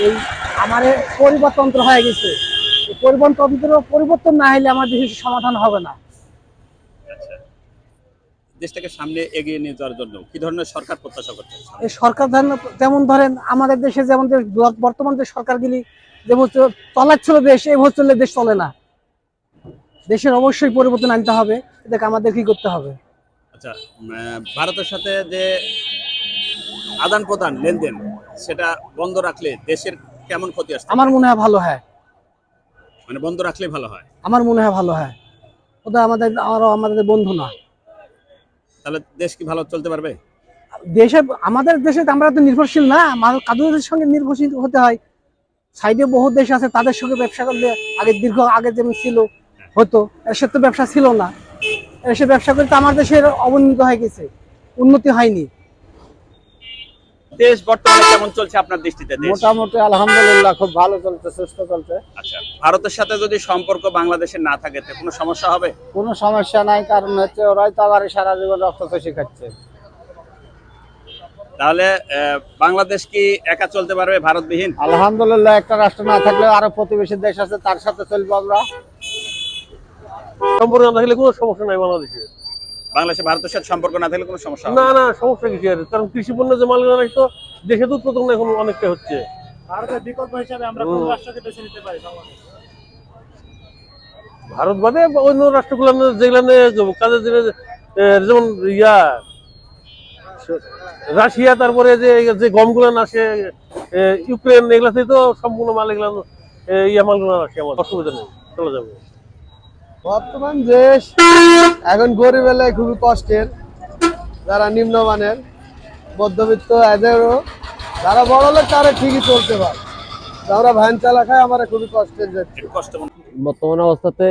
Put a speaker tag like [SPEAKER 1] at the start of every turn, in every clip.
[SPEAKER 1] এই আমার পরিবারতন্ত্র হয়ে গেছে। পরিবর্তন না হলে আমার দেশের সমাধান হবে না।
[SPEAKER 2] আচ্ছা, দেশটাকে সামনে এগিয়ে নিয়ে যাওয়ার জন্য কি ধরনের সরকার প্রত্যাশা করছেন?
[SPEAKER 1] এই সরকার যেমন ধরেন আমাদের দেশে যেমন বর্তমান যে সরকারগুলি যেমন চলাচ্ছিল দেশ, এইভাবে চললে দেশ চলে না। দেশের অবশ্যই পরিবর্তন আনতে হবে। এটাকে আমাদের কি করতে হবে?
[SPEAKER 2] আচ্ছা, ভারতের সাথে যে আদান প্রদান লেনদেন সেটা বন্ধ রাখলে দেশের কেমন ক্ষতি আসছে?
[SPEAKER 1] আমার মনে হয় ভালো হয়।
[SPEAKER 2] মানে বন্ধ রাখলে ভালো হয়।
[SPEAKER 1] আমার মনে হয় ভালো হয়। ওটা আমাদের বন্ধু না।
[SPEAKER 2] তাহলে দেশ কি ভালো চলতে পারবে?
[SPEAKER 1] দেশে আমাদের দেশে আমরা তো নির্ভরশীল না, কাদের সঙ্গে নির্ভরশীল হতে হয়। সাইডে বহু দেশ আছে, তাদের সঙ্গে ব্যবসা করলে আগে যেমন ছিল হতো, এসে তো ব্যবসা ছিল না। এসে ব্যবসা করতে আমার দেশের অবনতি হয়ে গেছে, উন্নতি হয়নি।
[SPEAKER 2] দেশ বর্তমানে কেমন চলছে আপনার দৃষ্টিতে? দেশ
[SPEAKER 3] মোটামুটি আলহামদুলিল্লাহ খুব ভালো চলছে, সুস্থ চলছে।
[SPEAKER 2] আচ্ছা, ভারতের সাথে যদি সম্পর্ক বাংলাদেশের না থাকে তো কোনো সমস্যা হবে?
[SPEAKER 3] কোনো সমস্যা নাই, কারণ হচ্ছে ওরাই তো আবার সারা জীবন রক্ত চষি খাচ্ছে।
[SPEAKER 2] তাহলে বাংলাদেশ কি একা চলতে পারবে ভারতবিহীন?
[SPEAKER 3] আলহামদুলিল্লাহ, একটা রাষ্ট্র না থাকলেও আরো প্রতিবেশী দেশ আছে, তার সাথে চলবো আমরা।
[SPEAKER 4] সম্পর্ক না থাকলে কোনো সমস্যা নাই বাংলাদেশে।
[SPEAKER 2] বাংলাদেশে ভারতের সাথে সম্পর্ক না থাকলে কোনো সমস্যা হবে
[SPEAKER 4] না না, সমস্যা কিছু আর, কারণ কৃষি পণ্য যে মালগুলো তো দেশে তো উৎপাদন এখন অনেকটা হচ্ছে।
[SPEAKER 5] ভারতের বিকল্প হিসাবে আমরা কোন রাষ্ট্রকে বেছে নিতে পারি? বাংলাদেশ,
[SPEAKER 4] ভারত বাদে অন্য রাষ্ট্রগুলো যেগুলো কাজের জন্য, যেমন রাশিয়া, তারপরে যে গমগুলো আসে ইউক্রেন, এগুলাতে তো সম্পূর্ণ মাল এগুলো মালগুলো আসে, আমার অসুবিধা নেই, চলে যাবে।
[SPEAKER 3] বর্তমান দেশ এখন গরিব এলাকায় খুবই কষ্টের, যারা নিম্নমানের মধ্যবিত্ত এদেরও, যারা বড় লোক তারা ঠিকই চলতে পারে, যারা ভ্যান চালা খায় আমরা খুবই কষ্টের যাচ্ছি।
[SPEAKER 2] একটু কষ্ট মনে
[SPEAKER 6] বর্তমান অবস্থাতে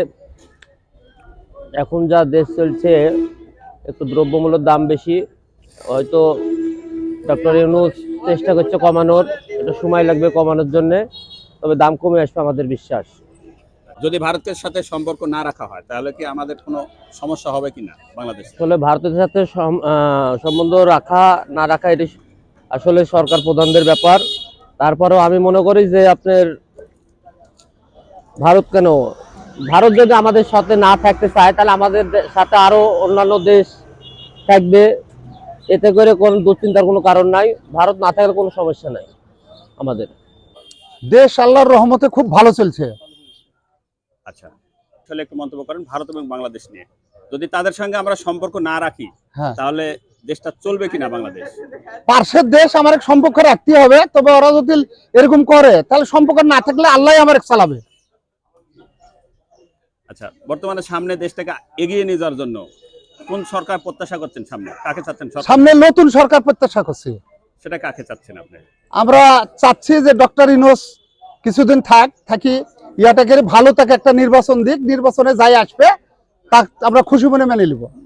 [SPEAKER 6] এখন যা দেশ চলছে, একটু দ্রব্যমূল্যের দাম বেশি, হয়তো ডক্টর ইউনূস চেষ্টা করছে কমানোর, এটা সময় লাগবে কমানোর জন্য, তবে দাম কমে আসবে আমাদের বিশ্বাস।
[SPEAKER 2] যদি ভারতের সাথে সম্পর্ক না রাখা হয় তাহলে কি আমাদের কোনো সমস্যা হবে কিনা বাংলাদেশে?
[SPEAKER 6] আসলে ভারতের সাথে সম্বন্ধ রাখা না রাখা এটি আসলে সরকার প্রধানদের ব্যাপার। তারপরেও আমি মনে করি যে আপনার ভারত যদি আমাদের সাথে না থাকতে চায় তাহলে আমাদের সাথে আরো অন্যান্য দেশ থাকবে, এতে করে কোনো দুশ্চিন্তার কোনো কারণ নাই। ভারত না থাকলে কোনো সমস্যা নাই আমাদের
[SPEAKER 3] দেশ আল্লাহর রহমতে খুব ভালো চলছে।
[SPEAKER 2] আচ্ছা, আসলে একটু মন্তব্য করেন ভারত এবং বাংলাদেশ নিয়ে। যদি তাদের সঙ্গে আমরা সম্পর্ক না রাখি তাহলে দেশটা চলবে কিনা বাংলাদেশ?
[SPEAKER 3] পার্শ্বের দেশ আমার সম্পর্ক রাখতে হবে, তবে ওরা যদি এরকম করে তাহলে সম্পর্ক না থাকলে আল্লাহ আমার চালাবে।
[SPEAKER 2] আচ্ছা, বর্তমানে সামনে দেশটাকে এগিয়ে নিয়ে যাওয়ার জন্য কোন সরকার প্রত্যাশা করছেন? সামনে কাকে চাচ্ছেন?
[SPEAKER 3] সামনে নতুন সরকার প্রত্যাশা করছি।
[SPEAKER 2] সেটা কাকে চাচ্ছেন আপনি?
[SPEAKER 3] আমরা চাচ্ছি যে ডক্টর ইউনূস কিছুদিন থাকি ইয়াটাকে ভালো, তাকে একটা নির্বাচন দিক, নির্বাচনে যাই আসবে তা আমরা খুশি মনে মেনে নিব।